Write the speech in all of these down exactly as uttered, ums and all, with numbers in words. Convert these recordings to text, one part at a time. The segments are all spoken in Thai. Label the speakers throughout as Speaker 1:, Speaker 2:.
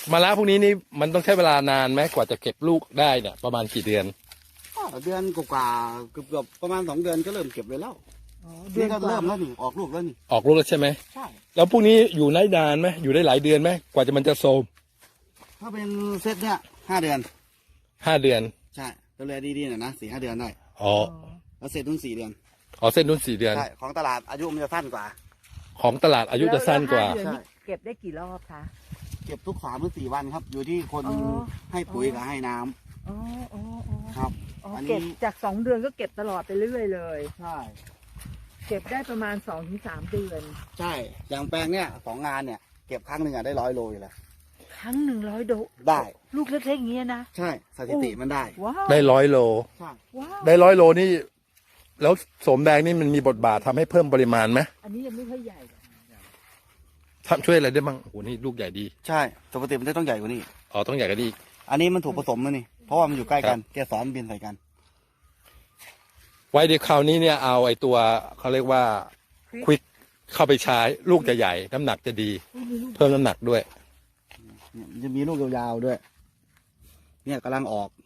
Speaker 1: มะระพวกนี้นี่มันต้องใช้เวลานานไหมกว่าจะเก็บลูกได้เนี่ยประมาณกี่เดือน
Speaker 2: เดือนกว่าเกือบเกือบประมาณสองเดือนก็เริ่มเก็บเลยแล้วนี่ก็เริ่มแล้วนี่ออกลูกแล้วนี่
Speaker 1: ออกลูกแล้วใช่ไหม
Speaker 2: ใช่
Speaker 1: แล้วพวกนี้อยู่ได้นานไหมอยู่ได้หลายเดือนไหมกว่าจะมันจะโซม
Speaker 2: ถ้าเป็นเซตเนี่ยห้าเดือน
Speaker 1: ห้าเดือน
Speaker 2: ใช่ดูแลดีๆหน่อยนะสี่ห้าเดือนได้
Speaker 1: อ๋อ
Speaker 2: แล้วเซตนุ่นสี่เดือน
Speaker 1: อ๋อเส้นนุ่นสี่เดือน
Speaker 2: ใช่ของตลาดอายุมันจะสั้นกว่า
Speaker 1: ของตลาดอายุจะสั้นกว่า
Speaker 3: ใช่เก็บได้กี่รอบคะ
Speaker 2: เก็บทุกสามหรือสี่วันครับอยู่ที่คนให้ปุ๋ยกับให้น้
Speaker 3: ำอ๋ออ๋อ
Speaker 2: ครับ
Speaker 3: เก็บจากสองเดือนก็เก็บตลอดไปเรื่อยเลย
Speaker 2: ใช่
Speaker 3: เก็บได้ประมาณสองถึงสามเดือน
Speaker 2: ใช่อย่างแปลงเนี่ยสองงานเนี่ยเก็บครั้งหนึ่งอะได้ร้อยโลอยู่แล้ว
Speaker 3: ครั้งหนึ่งร้อยโล
Speaker 2: ได้
Speaker 3: ลูกเล็กๆอย่างเงี้ยนะ
Speaker 2: ใช่สถิติมันได้
Speaker 1: ได้ร้อยโล
Speaker 2: ใช่
Speaker 1: ได้ร้อยโลนี่แล้วโสมแดงนี่มันมีบทบาททำให้เพิ่มปริมาณไหม
Speaker 3: อันนี้ยังไม่ค่อยใหญ่
Speaker 1: ทำช่วยอะไรได้บ้างโอ้โหนี่ลูกใหญ่ดี
Speaker 2: ใช่ปกติมันต้องใหญ่กว่านี้
Speaker 1: อ๋อต้องใหญ่กว่านี้
Speaker 2: อันนี้มันถูกผสมแล้วนี่เพราะว่ามันอยู่ใกล้กันแกสอนบินใส่กัน
Speaker 1: ไว้เดี๋ยวคราวนี้เนี่ยเอาไอ้ตัวเขาเรียกว่าควิกเข้าไปใช้ลูกจะใหญ่น้ำหนักจะดีเพิ่มน้ำหนักด้วย
Speaker 2: เนี่ยจะมีลูกยาวๆด้วยเนี่ยกำลังออก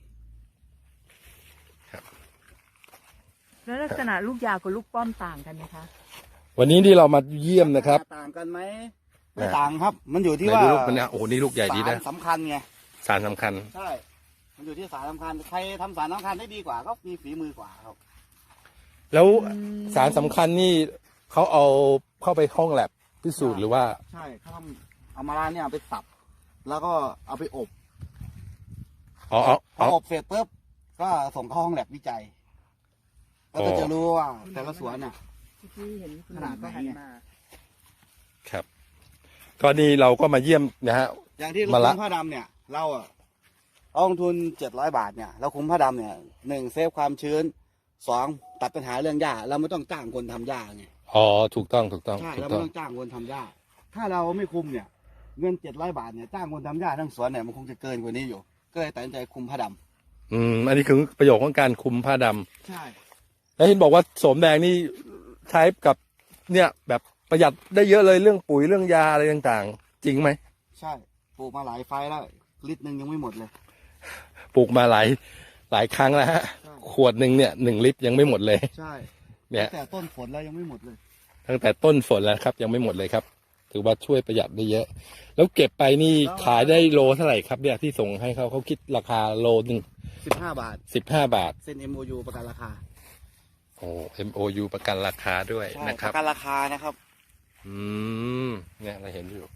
Speaker 3: แล้วลักษณะลูกยาวกับลูกป้อมต่างกันไหมคะ
Speaker 1: วันนี้ที่เรามาเยี่ยมนะครับ
Speaker 2: ต่างกันไหมไม่ต่างครับมันอยู่ที่ว่า
Speaker 1: ลูกมันเนี่ยโอ้โหนี่ลูกใหญ่ดีนะ
Speaker 2: สารสำคัญไง
Speaker 1: สารสำคัญ
Speaker 2: ใช่มันอยู่ที่สารสำคัญใครทำสารสำคัญได้ดีกว่าก็มีฝีมือกว่าครับ
Speaker 1: แล้วสารสำคัญนี่เขาเอาเข้าไปห้องแลบพิสูจน์หรือว่า
Speaker 2: ใช่เขาทำเอามาลาเนี่ยไปสับแล้วก็เอาไปอบ
Speaker 1: อ๋อ
Speaker 2: พออบเสร็จปุ๊บก็ส่งเข้าห้องแลบวิจัยก็จะรู้ว่าแต่ละสวนน่ะขนาดไหน
Speaker 1: ครับก็นี่เราก็มาเยี่ยมนะฮะ
Speaker 2: อย่างที่เราคุ้มผ้าดำเนี่ยเราอ่ะเอาลงทุนเจ็ดร้อยบาทเนี่ยเราคุ้มผ้าดำเนี่ยหนึ่งเซฟความชื้นสองตัดปัญหาเรื่องหญ้าเราไม่ต้องจ้างคนทำหญ้าไง
Speaker 1: อ๋อถูกต้องถูกต้อง
Speaker 2: ใช่เราไม่ต้องจ้างคนทำหญ้าถ้าเราไม่คุมเนี่ยเงินเจ็ดร้อยบาทเนี่ยจ้างคนทำหญ้าทั้งสวนเนี่ยมันคงจะเกินกว่านี้อยู่ก็เลยตัดสินใจคุมผ้าด
Speaker 1: ำอืมอันนี้คือประโยชน์ของการคุมผ้าดำ
Speaker 2: ใช่
Speaker 1: แล้วเห็นบอกว่าโสมแดงนี่ใช้กับเนี่ยแบบประหยัดได้เยอะเลยเรื่องปุ๋ยเรื่องยาอะไรต่างๆจริงไหม
Speaker 2: ใช่ปลูกมาหลายไฟแล้วลิตรหนึ่งยังไม่หมดเลย
Speaker 1: ปลูกมาหลายหลายครั้งแล้วฮะขวดหนึ่งเนี่ยหนึ่งลิตรยังไม่หมดเลย
Speaker 2: ใช่
Speaker 1: เนี่ย
Speaker 2: ตั้งแต่ต้นฝนแล้วยังไม่หมดเลย
Speaker 1: ตั้งแต่ต้นฝนแล้วครับยังไม่หมดเลยครับถือว่าช่วยประหยัดได้เยอะแล้วเก็บไปนี่ขายได้โลเท่าไหร่ครับเนี่ยที่ส่งให้เขาเขาคิดราคาโลหนึ่ง
Speaker 2: สิบห้าบาท
Speaker 1: สิบห้าบาท
Speaker 2: เซ็น เอ็ม โอ ยู ประกันราคา
Speaker 1: โอ้ เอ็ม โอ ยู ประกันราคาด้วยนะครับ
Speaker 2: ประกันราคานะครับ
Speaker 1: อืมเนี่ยเราเห็นอยู่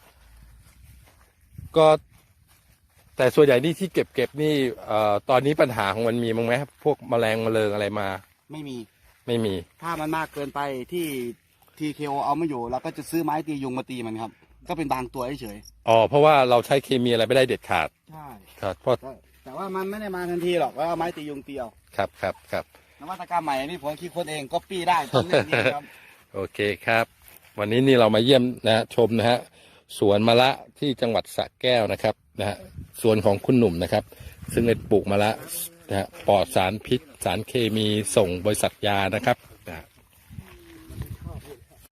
Speaker 1: ก็แต่ส่วนใหญ่นี่ที่เก็บเก็บนี่เอ่อตอนนี้ปัญหาของมันมีมั้งไหมพวกแมลงแมลงอะไรมา
Speaker 2: ไม่มี
Speaker 1: ไม่มี
Speaker 2: ถ้ามันมากเกินไปที่ทีเคโอเอาไม่อยู่เราก็จะซื้อไม้ตียุงมาตีมันครับก็เป็นบางตัวเฉย
Speaker 1: อ๋อเพราะว่าเราใช้เคมีอะไรไม่ได้เด็ดขาด
Speaker 2: ใช่
Speaker 1: ครับเพราะ
Speaker 2: แต่ว่ามันไม่ได้มาทันทีหรอกว่าไม้ตียุงตีเอา
Speaker 1: ครับครับครับ
Speaker 2: นวัตกรรมใหม่นี่ผมคิดคนเองก็ปี้ได้ตอนนี้ครับ
Speaker 1: โอเคครับวันนี้นี่เรามาเยี่ยมนะชมนะฮะสวนมะระที่จังหวัดสระแก้วนะครับนะฮะสวนของคุณหนุ่มนะครับซึ่งได้ปลูกมะระนะฮะปลอดสารพิษสารเคมีส่งบริษัทยานะครับ